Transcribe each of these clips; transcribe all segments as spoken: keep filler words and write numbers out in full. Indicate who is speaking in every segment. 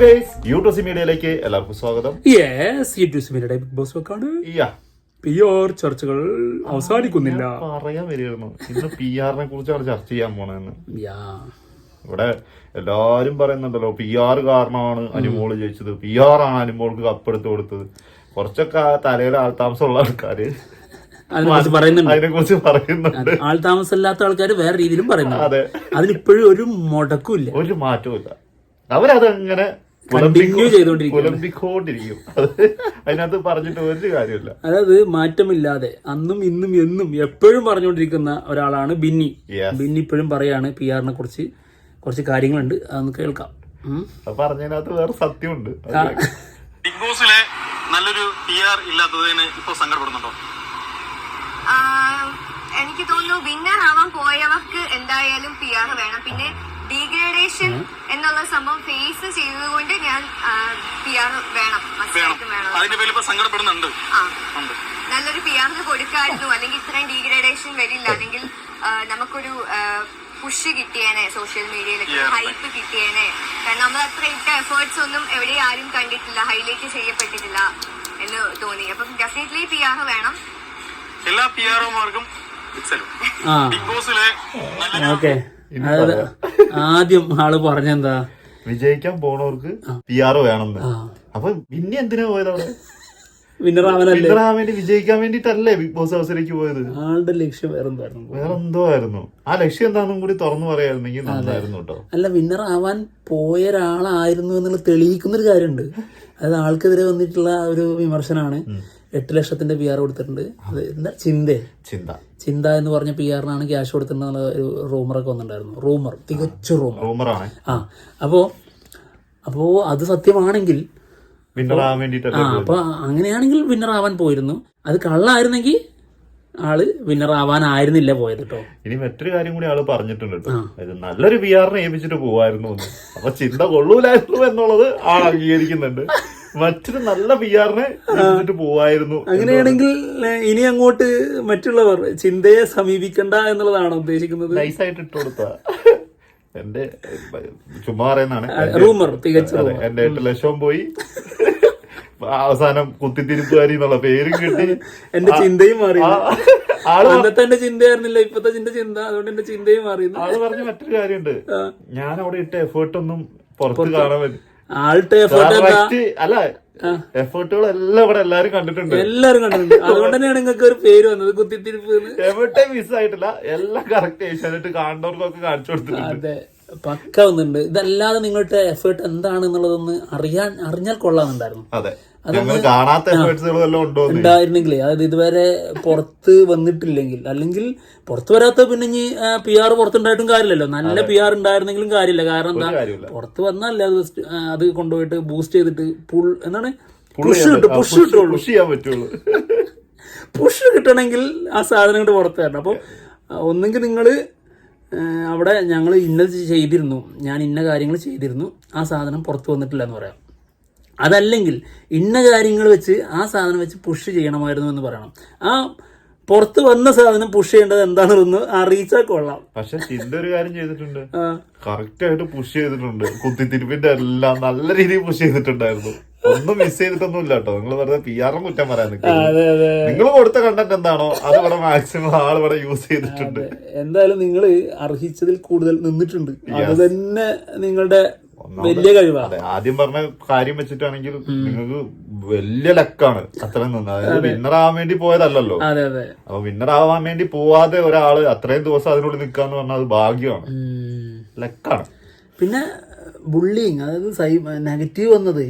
Speaker 1: Guys YouTube മീഡിയയിലേക്ക് എല്ലാവർക്കും സ്വാഗതം.
Speaker 2: യെസ് യൂട്യൂബ് മീഡിയയുടെ ബിഗ് ബോസ് വെക്കാണ്. പി ആർ ചർച്ചകൾ അവസാനിക്കുന്നില്ല.
Speaker 1: പറയാൻ വരികയായിരുന്നു ഇന്ന് പി ആറിനെ കുറിച്ചാണ് ചർച്ച ചെയ്യാൻ പോണെന്ന്. ഇവിടെ എല്ലാരും പറയുന്നുണ്ടല്ലോ പി ആർ കാരണമാണ് അനുമോള് ജയിച്ചത്, പി ആർ ആണ് അനുമോൾക്ക് കപ്പെടുത്ത് കൊടുത്തത്. കുറച്ചൊക്കെ തലയിൽ ആൾതാമസമുള്ള ആൾക്കാര് അതിനെ കുറിച്ച് പറയുന്നുണ്ട്.
Speaker 2: ആൾതാമസമില്ലാത്ത ആൾക്കാർ വേറെ രീതിയിലും പറയുന്നുണ്ട്.
Speaker 1: അതെ,
Speaker 2: അതിനിപ്പോഴും ഒരു മുടക്കില്ല,
Speaker 1: ഒരു മാറ്റവും ഇല്ല. അവരതങ്ങനെ
Speaker 2: കണ്ടിന്യൂ
Speaker 1: ചെയ്തോണ്ടിരിക്കും. അതിനകത്ത് പറഞ്ഞിട്ട് ഒരു കാര്യമില്ല.
Speaker 2: അതായത് മാറ്റമില്ലാതെ അന്നും ഇന്നും എന്നും എപ്പോഴും പറഞ്ഞുകൊണ്ടിരിക്കുന്ന ഒരാളാണ് ബിന്നി. ബിന്നി ഇപ്പോഴും പറയാണ് പി ആറിനെ കുറിച്ച് കുറച്ച് കാര്യങ്ങളുണ്ട്, അതൊന്ന് കേൾക്കാം.
Speaker 1: പറഞ്ഞതിനകത്ത് വേറെ സത്യമുണ്ട്.
Speaker 3: ബിഗ് ബോസിലെ നല്ലൊരു പി ആർ ഇല്ലാത്തതിന് ഇപ്പൊ സങ്കടപ്പെടുന്നുണ്ടോ?
Speaker 4: എനിക്ക് തോന്നുന്നു വിന്നർ ആവാൻ പോയവർക്ക് എന്തായാലും പി ആർ വേണം. പിന്നെ ഡീഗ്രേഡേഷൻ എന്നുള്ള സംഭവം ഫേസ് ചെയ്തതുകൊണ്ട് ഞാൻ പി ആർ വേണം, വേണം.
Speaker 3: അതിന്റെ പേരിൽ ഇപ്പൊ സങ്കടപ്പെടുന്നുണ്ട്.
Speaker 4: ആ, നല്ലൊരു പി ആറിന് കൊടുക്കായിരുന്നു, അല്ലെങ്കിൽ ഇത്രയും ഡീഗ്രേഡേഷൻ വരില്ല, അല്ലെങ്കിൽ നമുക്കൊരു പുഷ് കിട്ടിയേനെ, സോഷ്യൽ മീഡിയയിലൊക്കെ ഹൈപ്പ് കിട്ടിയേനെ. കാരണം നമ്മൾ അത്ര ഇട്ട എഫേർട്സ് ഒന്നും എവിടെ ആരും കണ്ടിട്ടില്ല, ഹൈലൈറ്റ് ചെയ്യപ്പെട്ടിട്ടില്ല എന്ന് തോന്നി. അപ്പം ഡെഫിനറ്റ്ലി പി ആർ വേണം.
Speaker 3: എല്ലാ പി ആർമാർക്കും ബിഗ് ബോസിലെ
Speaker 2: ആദ്യം ആള് പറഞ്ഞെന്താ,
Speaker 1: വിജയിക്കാൻ പോണവർക്ക് പി ആർ വേണമെന്ന്. അപ്പൊ പിന്നെ എന്തിനാ പോയത് അവിടെ?
Speaker 2: വിന്നറാവാൻ
Speaker 1: വേണ്ടി വിജയിക്കാൻ വേണ്ടിട്ടല്ലേ ബിഗ് ബോസ് ഹൗസിലേക്ക് പോയത്?
Speaker 2: ആളുടെ ലക്ഷ്യം വേറെന്തായിരുന്നു?
Speaker 1: വേറെന്തോ ആയിരുന്നു. ആ ലക്ഷ്യം എന്താണെന്നും കൂടി തുറന്നു പറയായിരുന്നെങ്കിൽ നന്നായിരുന്നു കേട്ടോ.
Speaker 2: അല്ല, വിന്നർ ആവാൻ പോയ ഒരാളായിരുന്നു എന്നുള്ള തെളിയിക്കുന്ന ഒരു കാര്യമുണ്ട്. അതായത് ആൾക്കെതിരെ വന്നിട്ടുള്ള ഒരു വിമർശനമാണ് എട്ട് ലക്ഷത്തിന്റെ പി ആർ കൊടുത്തിട്ടുണ്ട്. അത് എന്താ ചിന്ത
Speaker 1: ചിന്ത
Speaker 2: ചിന്ത എന്ന് പറഞ്ഞ പി ആറിനാണ് ക്യാഷ് കൊടുത്തിട്ടുള്ള ഒരു റൂമറൊക്കെ വന്നിട്ടുണ്ടായിരുന്നു. റൂമർ, തികച്ച റൂമർ
Speaker 1: റൂമറാണ്.
Speaker 2: ആ അപ്പോ അപ്പോ അത് സത്യമാണെങ്കിൽ
Speaker 1: വിന്നറാവാൻ വേണ്ടിട്ടല്ലേ.
Speaker 2: ആ അപ്പൊ അങ്ങനെയാണെങ്കിൽ വിന്നർ ആവാൻ പോയിരുന്നു. അത് കള്ളായിരുന്നെങ്കിൽ ആള് വിന്നർ ആവാനായിരുന്നില്ല പോയത് കേട്ടോ.
Speaker 1: ഇനി മറ്റൊരു കാര്യം കൂടി ആള് പറഞ്ഞിട്ടുണ്ട് കേട്ടോ, ഇത് നല്ലൊരു പി ആറിനെ ഏൽപ്പിച്ചിട്ട് പോവായിരുന്നു. അപ്പൊ ചിന്ത കൊള്ളൂലായിരുന്നു എന്നുള്ളത് ആൾ അംഗീകരിക്കുന്നുണ്ട്. മറ്റൊരു നല്ല പി ആറിനെ ഏൽപ്പിച്ചിട്ട് പോവായിരുന്നു.
Speaker 2: അങ്ങനെയാണെങ്കിൽ ഇനി അങ്ങോട്ട് മറ്റുള്ളവർ ചിന്തയെ സമീപിക്കണ്ട എന്നുള്ളതാണോ ഉദ്ദേശിക്കുന്നത്?
Speaker 1: നൈസായിട്ട് ഇട്ട് കൊടുത്ത എന്റെ ചുമ്മാ പറയുന്നതാണ്.
Speaker 2: റൂമർ, തികച്ച
Speaker 1: എന്റെ എട്ട് ലക്ഷവും പോയി, അവസാനം കുത്തിത്തിരിപ്പുകാരി എന്നുള്ള പേരും കിട്ടി,
Speaker 2: എന്റെ ചിന്തയും മാറി. അന്നത്തെ എന്റെ ചിന്തയായിരുന്നില്ല ഇപ്പത്തെ ചിന്ത ചിന്ത, അതുകൊണ്ട് എന്റെ ചിന്തയും മാറി.
Speaker 1: ആള് പറഞ്ഞ മറ്റൊരു കാര്യമുണ്ട്, ഞാൻ അവിടെ ഇട്ട എഫേർട്ട് ഒന്നും പുറത്ത് കാണാൻ പറ്റും.
Speaker 2: ആളുടെ എഫേർട്ട്
Speaker 1: അല്ല, എഫേർട്ടുകളെല്ലാം ഇവിടെ എല്ലാരും കണ്ടിട്ടുണ്ട്,
Speaker 2: എല്ലാരും കണ്ടിട്ടുണ്ട്. അതുകൊണ്ട് തന്നെയാണ് നിങ്ങൾക്ക് ഒരു പേര് വന്നത്, കുത്തിത്തിരിപ്പ്.
Speaker 1: എവിടെ മിസ് ആയിട്ടില്ല, എല്ലാം കറക്റ്റ് ഏഷ്യാനെറ്റ് കാണുന്നവർക്കൊക്കെ കാണിച്ചു കൊടുത്തിട്ടുണ്ട്.
Speaker 2: അതെ, പക്ക വന്നിട്ടുണ്ട്. ഇതല്ലാതെ നിങ്ങളുടെ എഫേർട്ട് എന്താണെന്നുള്ളതൊന്ന് അറിയാൻ അറിഞ്ഞാൽ കൊള്ളാന്നുണ്ടായിരുന്നു.
Speaker 1: അതെ, കാണാത്ത
Speaker 2: ഉണ്ടായിരുന്നെങ്കിലേ, അതായത് ഇതുവരെ പുറത്ത് വന്നിട്ടില്ലെങ്കിൽ, അല്ലെങ്കിൽ പുറത്ത് വരാത്ത പിന്നെ ഇനി പി ആർ പുറത്തുണ്ടായിട്ടും കാര്യമില്ലല്ലോ. നല്ല പി ആർ ഉണ്ടായിരുന്നെങ്കിലും കാര്യമില്ല. കാരണം എന്താ, പുറത്ത് വന്നല്ലേ അത് അത് കൊണ്ടുപോയിട്ട് ബൂസ്റ്റ് ചെയ്തിട്ട് പുൾ എന്താണ് പുഷ് കിട്ടും, പുഷ് കിട്ടുള്ളൂ,
Speaker 1: പുഷ് ചെയ്യാൻ പറ്റുള്ളൂ.
Speaker 2: പുഷ് കിട്ടണമെങ്കിൽ ആ സാധനം കൊണ്ട് പുറത്ത് വരണം. അപ്പോൾ ഒന്നെങ്കിൽ നിങ്ങള് അവിടെ ഞങ്ങൾ ഇന്നത് ചെയ്തിരുന്നു, ഞാൻ ഇന്ന കാര്യങ്ങൾ ചെയ്തിരുന്നു, ആ സാധനം പുറത്ത് വന്നിട്ടില്ല എന്ന് പറയാം. അതല്ലെങ്കിൽ ഇന്ന കാര്യങ്ങൾ വെച്ച് ആ സാധനം വെച്ച് പുഷ് ചെയ്യണമായിരുന്നു എന്ന് പറയണം. ആ പുറത്ത് വന്ന സാധനം പുഷ് ചെയ്യേണ്ടത് എന്താണെന്ന് അറിയിച്ചാൽ കൊള്ളാം.
Speaker 1: പക്ഷെ ചിന്ത ഒരു കാര്യം ചെയ്തിട്ടുണ്ട്, കറക്റ്റ് ആയിട്ട് പുഷ് ചെയ്തിട്ടുണ്ട്. കുത്തിത്തിരിപ്പിന്റെ എല്ലാം നല്ല രീതിയിൽ പുഷ് ചെയ്തിട്ടുണ്ടായിരുന്നു. ഒന്നും മിസ് ചെയ്തിട്ടൊന്നും ഇല്ല കേട്ടോ. നിങ്ങൾ വെറുതെ പി ആറിനെ കുറ്റം പറയാൻ നിൽക്കുന്നത്. നിങ്ങൾ കൊടുത്ത കണ്ടന്റ് എന്താണോ അത് ഇവിടെ മാക്സിമം ആൾ ഇവിടെ യൂസ് ചെയ്തിട്ടുണ്ട്.
Speaker 2: എന്തായാലും നിങ്ങൾ അർഹിച്ചതിൽ കൂടുതൽ നിന്നിട്ടുണ്ട്. അത് തന്നെ നിങ്ങളുടെ വലിയ കഴിവാണ്.
Speaker 1: ആദ്യം പറഞ്ഞ കാര്യം വെച്ചിട്ടാണെങ്കിൽ നിങ്ങൾക്ക് വലിയ ലക്കാണ് അത്രയും നിന്ന്. അതായത് വിന്നർ ആവാൻ വേണ്ടി പോയതല്ലല്ലോ. അപ്പൊ വിന്നർ ആവാൻ വേണ്ടി പോവാതെ ഒരാള് അത്രയും ദിവസം അതിനുള്ളിൽ നിൽക്കാന്ന് പറഞ്ഞാൽ അത് ഭാഗ്യമാണ്, ലക്കാണ്.
Speaker 2: പിന്നെ ബുള്ളിങ്, അതായത് സൈ നെഗറ്റീവ് വന്നത്,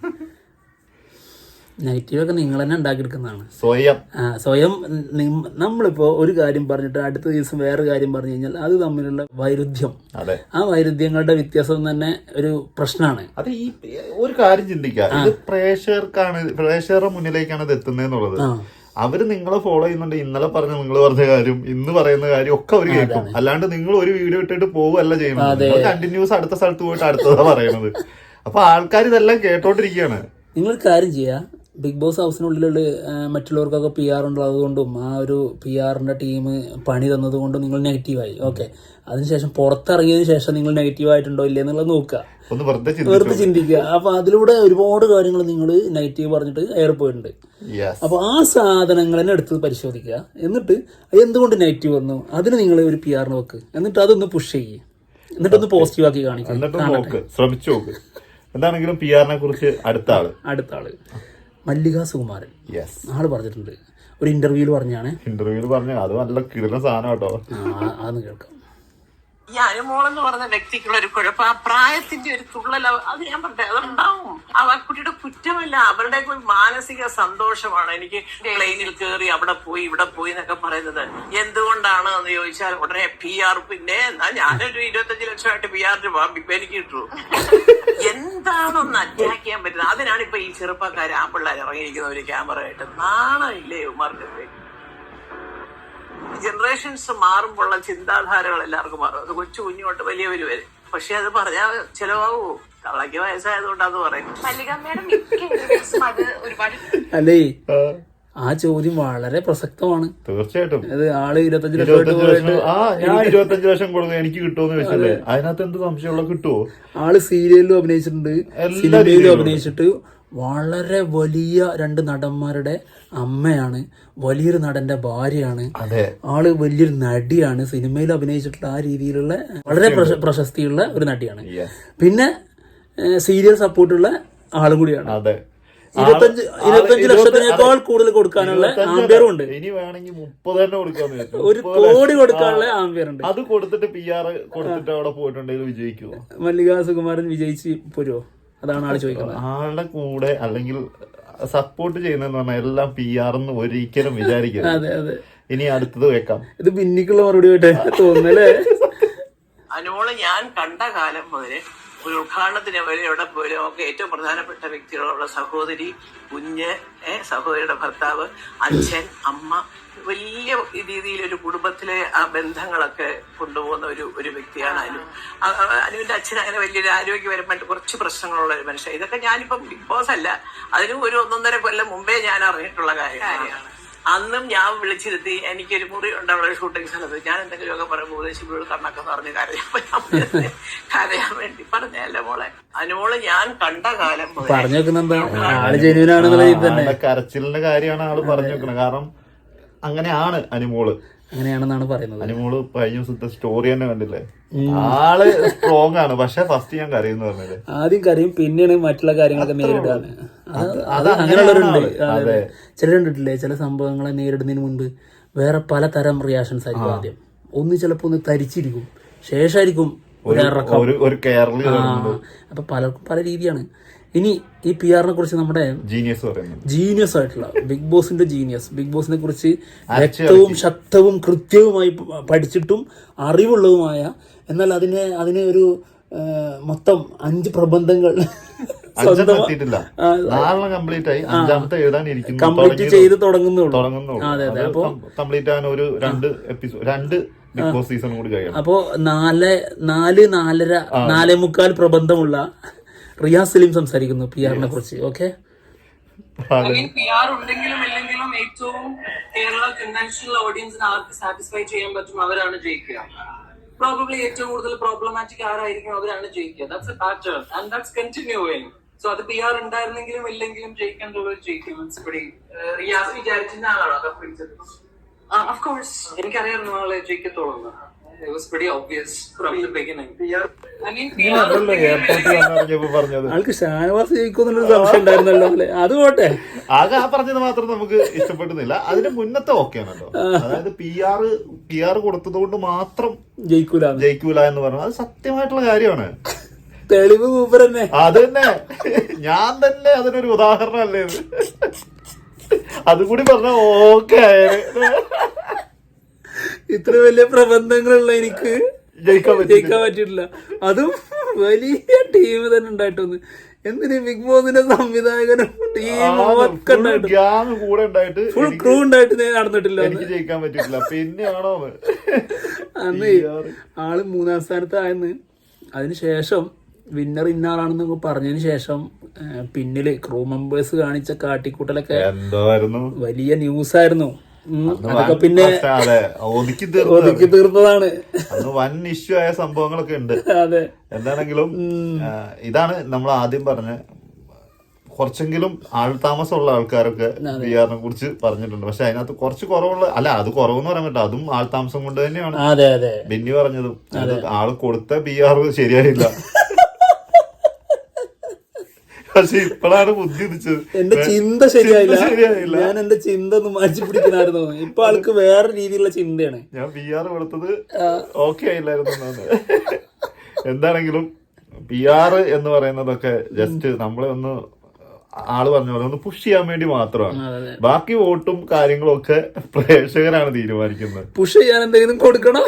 Speaker 2: നെഗറ്റീവൊക്കെ നിങ്ങൾ തന്നെ ഉണ്ടാക്കിയെടുക്കുന്നതാണ്.
Speaker 1: സ്വയം
Speaker 2: ആ സ്വയം നമ്മളിപ്പോ ഒരു കാര്യം പറഞ്ഞിട്ട് അടുത്ത ദിവസം വേറെ കാര്യം പറഞ്ഞു കഴിഞ്ഞാൽ അത് തമ്മിലുള്ള വൈരുദ്ധ്യം, ആ വൈരുദ്ധ്യങ്ങളുടെ വ്യത്യാസം തന്നെ ഒരു പ്രശ്നമാണ്.
Speaker 1: അത് ഈ ഒരു കാര്യം ചിന്തിക്കുക, ഇത് പ്രേക്ഷകർക്കാണ്, പ്രേക്ഷകരുടെ മുന്നിലേക്കാണ് ഇത് എത്തുന്നതെന്നുള്ളത്. അവര് നിങ്ങളെ ഫോളോ ചെയ്യുന്നുണ്ട്. ഇന്നലെ പറഞ്ഞ നിങ്ങൾ പറഞ്ഞ കാര്യം, ഇന്ന് പറയുന്ന കാര്യം ഒക്കെ അവർ കേൾക്കും. അല്ലാണ്ട് നിങ്ങൾ ഒരു വീഡിയോ ഇട്ടിട്ട് പോവുകയല്ല ചെയ്യുന്നത്, കണ്ടിന്യൂസ് അടുത്ത സ്ഥലത്ത് പോയിട്ട് അടുത്തതാ പറയുന്നത്. അപ്പൊ ആൾക്കാർ ഇതെല്ലാം കേട്ടോണ്ടിരിക്കുകയാണ്.
Speaker 2: നിങ്ങൾ കാര്യം ചെയ്യാ, ബിഗ് ബോസ് ഹൗസിനുള്ളിലുള്ള മറ്റുള്ളവർക്കൊക്കെ പി ആർ ഉള്ളത് കൊണ്ടും ആ ഒരു പി ആറിൻ്റെ ടീം പണി തന്നത് കൊണ്ടും നിങ്ങൾ നെഗറ്റീവായി. ഓക്കെ, അതിനുശേഷം പുറത്തിറങ്ങിയതിന് ശേഷം നിങ്ങൾ നെഗറ്റീവായിട്ടുണ്ടോ ഇല്ലേ എന്നുള്ളത് നോക്കുക,
Speaker 1: ഒന്ന് വെറുതെ
Speaker 2: വെറുതെ ചിന്തിക്കുക. അപ്പോൾ അതിലൂടെ ഒരുപാട് കാര്യങ്ങൾ നിങ്ങൾ നെഗറ്റീവ് പറഞ്ഞിട്ട് ഏറെ പോയിട്ടുണ്ട്. അപ്പോൾ ആ സാധനങ്ങളെ എടുത്ത് പരിശോധിക്കുക, എന്നിട്ട് എന്തുകൊണ്ട് നെഗറ്റീവ് വന്നു അതിന് നിങ്ങൾ ഒരു പി ആറിന് വെക്ക്, എന്നിട്ട് അതൊന്ന് പുഷ് ചെയ്യുക, എന്നിട്ടൊന്ന് പോസിറ്റീവ് ആക്കി കാണിക്കുക,
Speaker 1: ശ്രമിച്ചു നോക്ക്. എന്താണെങ്കിലും പി ആറിനെ കുറിച്ച് അടുത്ത ആള്
Speaker 2: അടുത്ത ആള് മല്ലിക സുകുമാരൻ ആള് പറഞ്ഞിട്ടുണ്ട് ഒരു ഇന്റർവ്യൂല് പറഞ്ഞാണ്
Speaker 1: ഇന്റർവ്യൂല് പറഞ്ഞ അത് നല്ല കിടന്ന സാധനം കേട്ടോ.
Speaker 2: അതൊന്ന് കേൾക്കാം.
Speaker 5: ഈ അനുമോളെന്ന് പറഞ്ഞ വ്യക്തിക്കുള്ള ഒരു കുഴപ്പം ആ പ്രായത്തിന്റെ ഒരു തുള്ളൽ അത് ഞാൻ പറഞ്ഞത് അതുണ്ടാവും. ആ കുട്ടിയുടെ കുറ്റമല്ല, അവരുടെ ഒരു മാനസിക സന്തോഷമാണ്. എനിക്ക് പ്ലെയിനിൽ കയറി അവിടെ പോയി ഇവിടെ പോയി എന്നൊക്കെ പറയുന്നത് എന്തുകൊണ്ടാണ് എന്ന് ചോദിച്ചാൽ ഉടനെ പി ആർ, പിന്നെ എന്നാ ഞാനൊരു ഇരുപത്തഞ്ച് ലക്ഷമായിട്ട് പി ആറിന് പോകാം, ഇപ്പൊ എനിക്ക് കിട്ടൂ. എന്താണൊന്ന് അറ്റാക്ക് ചെയ്യാൻ പറ്റുന്നത്? അതിനാണ് ഇപ്പൊ ഈ ചെറുപ്പക്കാർ ആ പിള്ളേർ ഇറങ്ങിയിരിക്കുന്ന ഒരു ക്യാമറ ആയിട്ട്. നാണമില്ലേ ഉമാർക്ക്? ജനറേഷൻസ് മാറുമ്പോഴുള്ള ചിന്താധാരകൾ എല്ലാവർക്കും മാറും. അത് കൊച്ചു കുഞ്ഞോട്ട് വലിയവര് വരെ. പക്ഷെ അത് പറഞ്ഞാൽ ചിലവാകൂ, തള്ളക്ക് വയസ്സായതുകൊണ്ട് അത് പറയും.
Speaker 2: അല്ലേ, ആ ചോദ്യം വളരെ പ്രസക്തമാണ്.
Speaker 1: തീർച്ചയായിട്ടും.
Speaker 2: അത് ആള് ഇരുപത്തഞ്ച്
Speaker 1: ലക്ഷം ആ ഞാൻ ഇരുപത്തഞ്ച് ലക്ഷം കൊടുക്കും എനിക്ക് കിട്ടുമെന്ന് വെച്ചല്ലേ, അതിനകത്ത് എന്ത് സംശയമുള്ള കിട്ടുമോ?
Speaker 2: ആള് സീരിയലിലും അഭിനയിച്ചിട്ടുണ്ട്, സിനിമയിലും അഭിനയിച്ചിട്ട് വളരെ വലിയ രണ്ട് നടന്മാരുടെ അമ്മയാണ്, വലിയൊരു നടന്റെ ഭാര്യയാണ്, ആള് വലിയൊരു നടിയാണ്, സിനിമയിൽ അഭിനയിച്ചിട്ടുള്ള ആ രീതിയിലുള്ള വളരെ പ്രശസ്തിയുള്ള ഒരു നടിയാണ്. പിന്നെ സീരിയൽ സപ്പോർട്ടുള്ള ആളും കൂടിയാണ്. ഇരുപത്തഞ്ച് ഇരുപത്തഞ്ച് ലക്ഷത്തിനേക്കാൾ കൂടുതൽ കൊടുക്കാനുള്ള ആംബിയറും ഉണ്ട്.
Speaker 1: ഇനി വേണമെങ്കിൽ മുപ്പത് തന്നെ കൊടുക്കാൻ,
Speaker 2: ഒരു കോടി കൊടുക്കാനുള്ള ആംബിയർ ഉണ്ട്.
Speaker 1: അത് കൊടുത്തിട്ട് പി ആർ കൊടുത്തിട്ട് അവിടെ പോയിട്ടുണ്ടെങ്കിൽ വിജയിക്കുമോ?
Speaker 2: മല്ലിക സുകുമാരൻ വിജയിച്ച് പോരുമോ? അതാണ് ആള് ചോദിക്കുന്നത്.
Speaker 1: ആളുടെ കൂടെ അല്ലെങ്കിൽ സപ്പോർട്ട് ചെയ്യുന്നതെന്ന് പറഞ്ഞാൽ എല്ലാം പി ആർ എന്ന് ഒരിക്കലും വിചാരിക്കരുത്.
Speaker 2: അതെ അതെ.
Speaker 1: ഇനി അടുത്തത് വെക്കാം.
Speaker 2: ഇത് പിന്നിക്കുള്ള മറുപടി ആയിട്ട് തോന്നുന്നല്ലേ?
Speaker 5: അനുമോള് ഞാൻ കണ്ട കാലം മുതല് ഒരു ഉദ്ഘാടനത്തിന് വരെ എവിടെ പോലും ഒക്കെ ഏറ്റവും പ്രധാനപ്പെട്ട വ്യക്തികളുള്ള സഹോദരി, കുഞ്ഞ്, ഏഹ് സഹോദരിയുടെ ഭർത്താവ്, അച്ഛൻ, അമ്മ, വലിയ രീതിയിൽ ഒരു കുടുംബത്തിലെ ആ ബന്ധങ്ങളൊക്കെ കൊണ്ടുപോകുന്ന ഒരു ഒരു വ്യക്തിയാണ് അനു. അനുവിന്റെ അച്ഛൻ അങ്ങനെ വലിയൊരു ആരോഗ്യപരമായിട്ട് കുറച്ച് പ്രശ്നങ്ങളുള്ള ഒരു മനുഷ്യൻ. ഇതൊക്കെ ഞാനിപ്പം ബിഗ് ബോസ് അല്ല, അതിനും ഒരു ഒന്നൊന്നര കൊല്ലം മുമ്പേ ഞാൻ അറിഞ്ഞിട്ടുള്ള കാര്യമാണ്. അന്നും ഞാൻ വിളിച്ചിരുത്തി എനിക്കൊരു മുറി ഉണ്ട് അവിടെ ഷൂട്ടിംഗ് സ്ഥലത്ത്. ഞാൻ എന്തെങ്കിലുമൊക്കെ പറയുമ്പോൾ ഉപദേശിപ്പോഴും കണ്ണൊക്കെ പറഞ്ഞ് കരയപ്പോ കരയാൻ വേണ്ടി പറഞ്ഞല്ലേ മോളെ. അനുമോള് ഞാൻ കണ്ട കാലം
Speaker 1: കരച്ചിലിന്റെ കാര്യമാണ് ആള് പറഞ്ഞു വെക്കുന്നത്. കാരണം അങ്ങനെയാണ് അനുമോള്,
Speaker 2: അങ്ങനെയാണെന്നാണ് പറയുന്നത്.
Speaker 1: അനുമോള് കഴിഞ്ഞ ദിവസത്തെ സ്റ്റോറി തന്നെ കണ്ടില്ലേ, ആള് സ്ട്രോങ് ആണ്. പക്ഷെ ഫസ്റ്റ് ഞാൻ കരയുന്നു പറഞ്ഞത്,
Speaker 2: ആദ്യം കരയും പിന്നെയാണ് മറ്റുള്ള കാര്യങ്ങളൊക്കെ നേരിടാണ്. അങ്ങനെയുള്ളവരുണ്ട്. ചില കണ്ടിട്ടില്ലേ, ചില സംഭവങ്ങളെ നേരിടുന്നതിന് മുൻപ് വേറെ പലതരം റിയാക്ഷൻസ് ആയിരിക്കും. ആദ്യം ഒന്ന് ചിലപ്പോ ഒന്ന് തരിച്ചിരിക്കും, ശേഷമായിരിക്കും
Speaker 1: ഒരു കേരള.
Speaker 2: അപ്പൊ പലർക്കും പല രീതിയാണ്. ഇനി ഈ പി ആറിനെ കുറിച്ച് നമ്മുടെ
Speaker 1: ജീനിയസ് പറയുന്നത്,
Speaker 2: ജീനിയസ് ആയിട്ടുള്ള ബിഗ് ബോസിന്റെ ജീനിയസ്, ബിഗ് ബോസിനെ കുറിച്ച് വ്യക്തവും ശക്തവും കൃത്യവുമായി പഠിച്ചിട്ടും അറിവുള്ളതുമായ, എന്നാൽ അതിനെ അതിനെ ഒരു മൊത്തം അഞ്ച് പ്രബന്ധങ്ങൾ കംപ്ലീറ്റ് ചെയ്ത് തുടങ്ങുന്നുള്ളൂ. അതെ അതെ. അപ്പൊ
Speaker 1: കംപ്ലീറ്റ് ആകാൻ ഒരു രണ്ട് എപ്പിസോഡ് രണ്ട് ബിഗ് ബോസ് സീസൺ കൂടി കഴിയണം.
Speaker 2: അപ്പോ നാല് നാല് നാലര നാലേ മുക്കാൽ പ്രബന്ധമുള്ള റിയാസ് സലീം സംസാരിക്കുന്നു പി ആറിനെ കുറിച്ച്. ഓക്കെ,
Speaker 6: പി ആർ ഉണ്ടെങ്കിലും ഇല്ലെങ്കിലും ഏറ്റവും കേരള കൺവെൻഷണൽ ഓഡിയൻസിന് ആർക്ക് സാറ്റിസ്ഫൈ ചെയ്യാൻ പറ്റും അവരാണ് ജയിക്കുക. പ്രോബബ്ലി ഏറ്റവും കൂടുതൽ പ്രോബ്ലമാറ്റിക് ആരായിരിക്കും അവരാണ് ജയിക്കുക. That's a pattern and that's continuing. So അത് പി ആർ ഉണ്ടായിരുന്നെങ്കിലും ഇല്ലെങ്കിലും ജയിക്കേണ്ടവർ ജയിക്കും. റിയാസ് വിചാരിച്ചിരുന്ന ആളാണോ കപ്പിൾസ്? ഓഫ് കോഴ്സ് എനിക്കറിയായിരുന്നു ആളെ ജയിക്കത്തോളുന്നു. It was pretty obvious from the beginning. I mean,
Speaker 2: ആൾക്ക് ഷാനവാസ് ജയിക്കുമെന്നുള്ളൊരു സംശയം ഉണ്ടായിരുന്നല്ലോ അല്ലെ? അത് പോട്ടെ,
Speaker 1: ആകെ ആ പറഞ്ഞത് മാത്രം നമുക്ക് ഇഷ്ടപ്പെടുന്നില്ല. അതിന്റെ മുന്നത്തെ ഓക്കെയാണല്ലോ. അതായത് പി ആർ പി ആർ കൊടുത്തത് കൊണ്ട് മാത്രം ജയിക്കൂല ജയിക്കൂല എന്ന് പറഞ്ഞത് അത് സത്യമായിട്ടുള്ള കാര്യമാണ്.
Speaker 2: തെളിവ് മൂപ്പർ തന്നെ.
Speaker 1: അത് തന്നെ, ഞാൻ തന്നെ അതിനൊരു ഉദാഹരണം അല്ലേ ഇത്. അതുകൂടി പറഞ്ഞ ഓക്കെ.
Speaker 2: ഇത്ര വലിയ പ്രബന്ധങ്ങളുള്ള എനിക്ക് ജയിക്കാൻ ജയിക്കാൻ പറ്റിയിട്ടില്ല. അതും വലിയ ടീം തന്നെ ഉണ്ടായിട്ടൊന്ന്. എന്തിന് ബിഗ് ബോസിന്റെ സംവിധായകനും ടീമും
Speaker 1: കൂടെ ഉണ്ടായിട്ട്
Speaker 2: ഫുൾ ക്രൂ ഉണ്ടായിട്ട് നടന്നിട്ടില്ല,
Speaker 1: എനിക്ക് ജയിക്കാൻ പറ്റിയിട്ടില്ല. പിന്നെയാണോ
Speaker 2: അന്ന് ആള് മൂന്നാം സ്ഥാനത്തായെന്ന് അതിനുശേഷം വിന്നർ ഇന്നാളാണെന്ന് പറഞ്ഞതിന് ശേഷം പിന്നില് ക്രൂ മെമ്പേഴ്സ് കാണിച്ച കാട്ടിക്കൂട്ടലൊക്കെ
Speaker 1: എന്തായിരുന്നു
Speaker 2: വലിയ ന്യൂസ് ആയിരുന്നു. അതൊക്കെ പിന്നെ
Speaker 1: അതെ ഒതുക്കി
Speaker 2: ഒതുക്കി തീർന്നതാണ്.
Speaker 1: അന്ന് വൻ ഇഷ്യൂ ആയ സംഭവങ്ങളൊക്കെ ഉണ്ട്.
Speaker 2: അതെ,
Speaker 1: എന്താണെങ്കിലും ഇതാണ് നമ്മൾ ആദ്യം പറഞ്ഞ കുറച്ചെങ്കിലും ആൾതാമസമുള്ള ആൾക്കാരൊക്കെ പി ആറിനെ കുറിച്ച് പറഞ്ഞിട്ടുണ്ട്. പക്ഷെ അതിനകത്ത് കുറച്ച് കുറവുള്ള അല്ല അത് കുറവെന്ന് പറയാൻ പറ്റില്ല, അതും ആൾതാമസം കൊണ്ട് തന്നെയാണ്.
Speaker 2: അതെ അതെ
Speaker 1: ബെന്നി പറഞ്ഞതും ആള് കൊടുത്ത പി ആർ ശരിയായില്ല. പക്ഷെ ഇപ്പോഴാണ് ബുദ്ധി ഉദിച്ചത്.
Speaker 2: എന്റെ ചിന്ത ശരിയായില്ല ശരിയായില്ല ഞാൻ എന്റെ ചിന്ത ഒന്ന് മാറ്റി പിടിക്കണമായിരുന്നു. ഇപ്പൊ ആൾക്ക് വേറെ രീതിയിലുള്ള ചിന്തയാണ്.
Speaker 1: ഞാൻ പി ആർ കൊടുത്തത് ഓക്കെ ആയില്ലായിരുന്നു. എന്താണെങ്കിലും പി ആർ എന്ന് പറയുന്നതൊക്കെ ജസ്റ്റ് നമ്മളെ ഒന്ന് ആള് പറഞ്ഞ പോലെ ഒന്ന് പുഷ് ചെയ്യാൻ വേണ്ടി മാത്രമാണ്. ബാക്കി വോട്ടും കാര്യങ്ങളും ഒക്കെ പ്രേക്ഷകരാണ് തീരുമാനിക്കുന്നത്.
Speaker 2: പുഷ് ചെയ്യാൻ എന്തെങ്കിലും കൊടുക്കണം.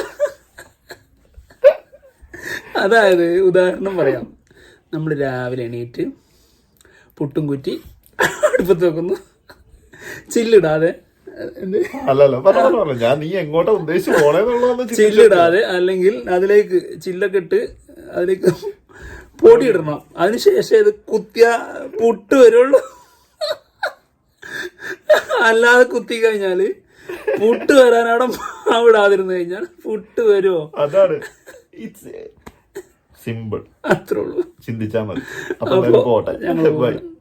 Speaker 2: അതായത് ഉദാഹരണം പറയാം, നമ്മൾ രാവിലെ എണീറ്റ് പുട്ടും കുറ്റി അടുപ്പത്ത് വെക്കുന്നു, ചില്ലിടാതെ
Speaker 1: അല്ലല്ലോ പറഞ്ഞല്ലോ ഞാൻ നീ എങ്ങോട്ടാ ഉദ്ദേശിച്ചു പോണേന്നുള്ളത്.
Speaker 2: ചില്ലിടാതെ അല്ലെങ്കിൽ അതിലേക്ക് ചില്ലൊക്കെ ഇട്ട് അതിലേക്ക് പൊടി ഇടണം. അതിനുശേഷം ഇത് കുത്തിയ പുട്ട് വരുള്ളൂ. അല്ലാതെ കുത്തി കഴിഞ്ഞാല് പുട്ട് വരാനവിടെ മാവിടാതിരുന്നു കഴിഞ്ഞാൽ പുട്ട് വരുമോ?
Speaker 1: അതാണ് സിമ്പിൾ.
Speaker 2: അത്രേ ഉള്ളൂ.
Speaker 1: ചിന്തിച്ചാൽ മതി. അപ്പൊ പോട്ടെ.